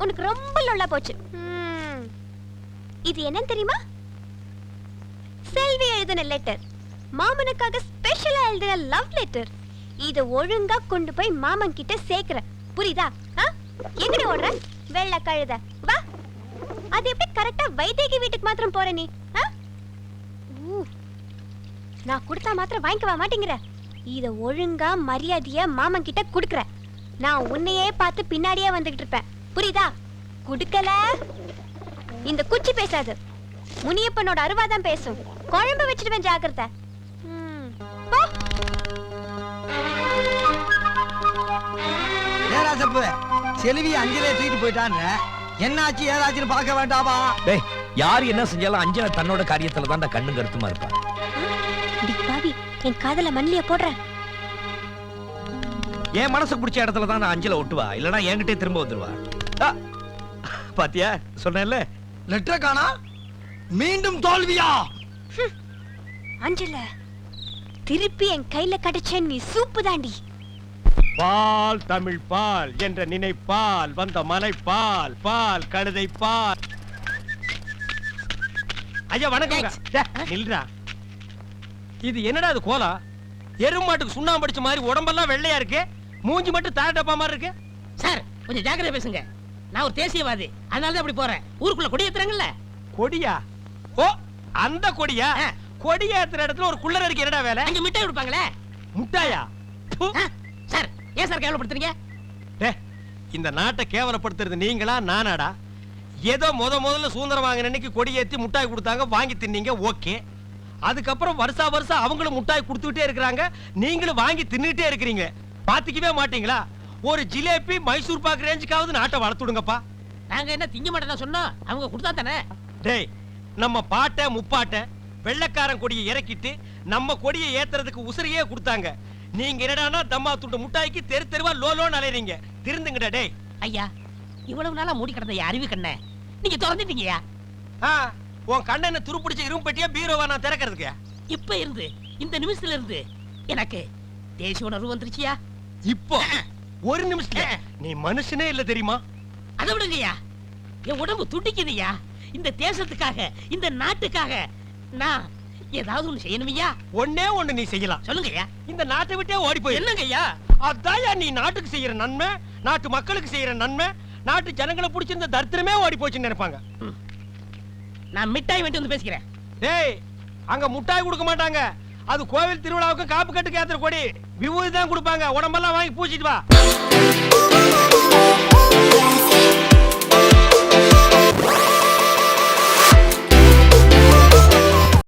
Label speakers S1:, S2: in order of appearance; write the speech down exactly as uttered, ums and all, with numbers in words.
S1: உனக்கு ரொம்ப லொல்லா போச்சு. இது என்ன தெரியுமா? செல்வி எழுதின லெட்டர். மாமனுக்காக ஸ்பெஷலா எழுதின லவ் லெட்டர். இத ஒழுங்கா கொண்டு போய் மாமன் கிட்ட சேர்க்கிற. புரியுதா? எங்கடி ஓடுற வெள்ள கழுத? வா. அது எப்படி கரெக்டா வைதேகி வீட்டுக்கு மாத்திரம் போற நீ? நான் கொடுத்தா மாத்திரம் வாங்கிக்கவா மாட்டேங்கிற? இத ஒழுங்கா மரியாதையா மாமன் கிட்ட குடுக்கற. நான் உன்னையே பார்த்து பின்னாடியே வந்துகிட்டு இருப்பேன். புரியுதா? குடுக்கல இந்த குச்சி பேசாது. முனியப்பனோட அருவாதான் பேசும். குழம்பு வச்சிடுவேன், ஜாக்கிரதை. போ.
S2: ஏராசப்பு செல்வி அஞ்சலே தூக்கிட்டு போயிட்டான்ற. என்னாச்சு ஏதாச்சுன்னு பார்க்க வேண்டாமா?
S3: டேய், யார் என்ன செஞ்சாலும் அஞ்சலை தன்னோட காரியத்துல தான் கண்ணு கருத்துமா இருப்பா.
S1: பாவி, என் காதல மண்ணிலே போடுற.
S3: என் மனசுக்கு பிடிச்ச இடத்துல தான் நான் அஞ்சலை ஒட்டுவா, இல்லனா என்கிட்டே திரும்ப வந்துருவா. பாத்தியா சொன்னேன்ல.
S2: லெட்டர் காணா, மீண்டும் தோல்வியா?
S1: அஞ்சல திருப்பி என் கையில கிடைச்ச நீ சூப்பு தாண்டி.
S4: பால் தமிழ் பால் என்ற நினைப்பால் வந்த மலை பால் பால் கழுதை பால். ஐயா வணக்கம். நில்றா. இது என்னடா இது கோலா? எருமாட்டுக்கு சுண்ணாம்பு அடிச்ச மாதிரி உடம்பெல்லாம் வெள்ளையா இருக்கு, மூஞ்சி மட்டும் தார டப்பா மாதிரி இருக்கு.
S5: சார் கொஞ்சம் ஜாக்கிரதை பேசுங்க. நான் ஒரு தேசியவாதி, அதனால தான் அப்படி போறேன். ஊருக்குள்ள கொடி ஏத்துறாங்கல்ல.
S4: கொடியா? ஓ அந்த கொடியா? கொடி ஏத்துற இடத்துல ஒரு குள்ளர் இருக்கு, என்னடா வேலை?
S5: அங்க மிட்டாய் கொடுப்பாங்களே.
S4: முட்டாயா?
S5: சார் ஏன் சார் கேவலப்படுத்துறீங்க?
S4: இந்த நாட்டை கேவலப்படுத்துறது நீங்களா நானாடா? ஏதோ முத முதல்ல சுதந்திரம் வாங்கின அன்னைக்கு கொடி ஏத்தி முட்டாய் கொடுத்தாங்க, வாங்கி தின்னீங்க, ஓகே. அதுக்கப்புறம் வருஷா வருஷம் அவங்களும் முட்டாய் கொடுத்துக்கிட்டே இருக்கிறாங்க, நீங்களும் வாங்கி தின்னுட்டே இருக்கிறீங்க. பாத்துக்கவே மாட்டீங்களா? ஒரு ஜிலேபி மைசூர் பாக்கு ரேஞ்சுக்காவது நாட்டை வளர்த்துடுங்கப்பா.
S5: நாங்க என்ன திங்க மாட்டேன் சொன்னோம், அவங்க கொடுத்தா தானே.
S4: டேய், நம்ம பாட்டை முப்பாட்டை வெள்ளக்காரன் கொடியை இறக்கிட்டு நம்ம கொடியை ஏத்துறதுக்கு உசிரியே கொடுத்தாங்க. நீங்க என்னடானா தம்மா துண்டு முட்டாய்க்கு தெரு தெருவா லோலோன்னு அலையறீங்க. திருந்துங்கடா. டேய்
S5: ஐயா, இவ்வளவு நாளா மூடி கிடந்த அறிவு கண்ணை நீங்க திறந்துட்டீங்கயா.
S4: உன் கண்ணனை துருப்பிடிச்ச இரும்பு பெட்டியா பீரோவா நான் திறக்கிறதுக்கு?
S5: இப்ப இருந்து இந்த நிமிஷத்துல இருந்து எனக்கு தேசிய உணர்வு வந்துருச்சியா.
S4: இப்போ ஒரு நிமிஷத்துல நீ மனுஷனே இல்ல தெரியுமா?
S5: அதை விடுங்கய்யா, என் உடம்பு துடிக்குதுயா. இந்த தேசத்துக்காக, இந்த நாட்டுக்காக நான் ஏதாவது ஒண்ணு செய்யணுமையா.
S4: ஒன்னே ஒண்ணு நீ செய்யலாம்.
S5: சொல்லுங்கய்யா.
S4: இந்த நாட்டை விட்டே ஓடி போய்.
S5: என்னங்கய்யா?
S4: அதாயா நீ நாட்டுக்கு செய்யற நன்மை, நாட்டு மக்களுக்கு செய்யற நன்மை. நாட்டு ஜனங்களை பிடிச்சிருந்த தரித்திரமே ஓடி போச்சுன்னு நினைப்பாங்க.
S5: நான் மிட்டாய் வேண்டி வந்து பேசிக்கிறேன்.
S4: டேய், அங்க முட்டாய் கொடுக்க மாட்டாங்க. அது கோவில் திருவிழாவுக்கு காப்பு கட்டுக்கு ஏத்துற கொடி. விபூதி தான் கொடுப்பாங்க. உடம்பெல்லாம் வாங்கி பூச்சிட்டு வா.